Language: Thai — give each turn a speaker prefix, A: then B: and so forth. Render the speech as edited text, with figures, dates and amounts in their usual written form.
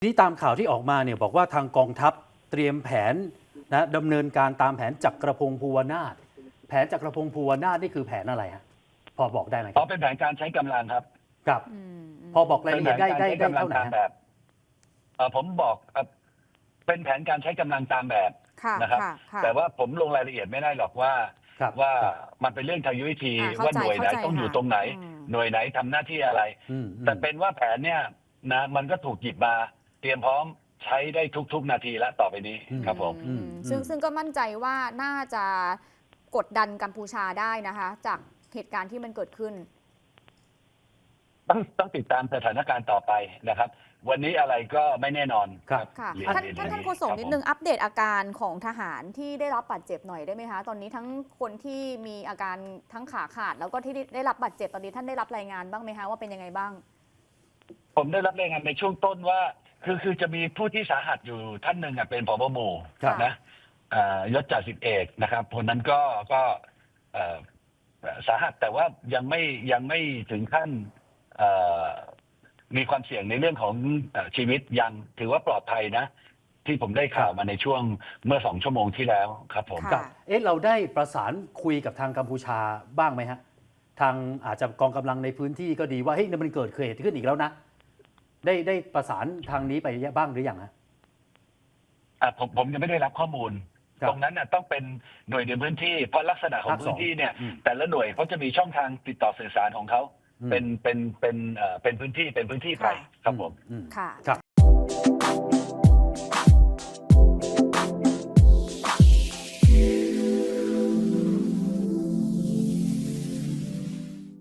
A: นี่ตามข่าวที่ออกมาเนี่ยบอกว่าทางกองทัพเตรียมแผนนะดำเนินการตามแผนจักรพงศ์ภูวนาถแผนจักรพงศ์ภูวนาถนี่คือแผนอะไรฮะพอบอกได้ไหมครับ
B: เป็นแผนการใช้กำลังครับ
A: ครับพอบอกรายละเอียดได้เท่าไหร่ฮะ
B: ผมบอกเป็นแผนการใช้กำลังตามแบบนะครับแต่ว่าผมลงรายละเอียดไม่ได้หรอกว่ามันเป็นเรื่องทางยุทธวิธีว่าหน่วยไหนต้องอยู่ตรงไหนหน่วยไหนทำหน้าที่อะไรแต่เป็นว่าแผนเนี่ยนะมันก็ถูกหยิบมาเตรียมพร้อมใช้ได้ทุกนาทีและต่อไปนี้ครับผม
C: ซึ่งก็มั่นใจว่าน่าจะกดดันกัมพูชาได้นะคะจากเหตุการณ์ที่มันเกิดขึ้น
B: ต้องติดตามสถานการณ์ต่อไปนะครับวันนี้อะไรก็ไม่แน่นอน
A: ครับ
C: ค่ะท่านโฆษกนิดนึงอัปเดตอาการของทหารที่ได้รับบาดเจ็บหน่อยได้ไหมคะตอนนี้ทั้งคนที่มีอาการทั้งขาขาดแล้วก็ที่ได้รับบาดเจ็บตอนนี้ท่านได้รับรายงานบ้างไหมคะว่าเป็นยังไงบ้าง
B: ผมได้รับรายงานในช่วงต้นว่าคือจะมีผู้ที่สาหัสอยู่ท่านหนึ่งเป็นผบ.หมู่นะยศจ่าสิบเอกนะครับคนนั้นก็สาหัสแต่ว่ายังไม่ถึงขั้นมีความเสี่ยงในเรื่องของชีวิตยังถือว่าปลอดภัยนะที่ผมได้ข่าวมาในช่วงเมื่อ2 ชั่วโมงที่แล้วครับผม
A: เราได้ประสานคุยกับทางกัมพูชาบ้างไหมฮะทางอาจจะกองกำลังในพื้นที่ก็ดีว่าเฮ้ยมันเกิดเหตุขึ้นอีกแล้วนะได้ประสานทางนี้ไปบ้างหรือยังฮะ
B: ผมยังไม่ได้รับข้อมูลตรงนั้นต้องเป็นหน่วยในพื้นที่เพราะลักษณะของพื้นที่เนี่ยแต่ละหน่วยเขาจะมีช่องทางติดต่อสื่อสารของเขาเป็นพื้นที่ไปครับผม
C: ค่ะ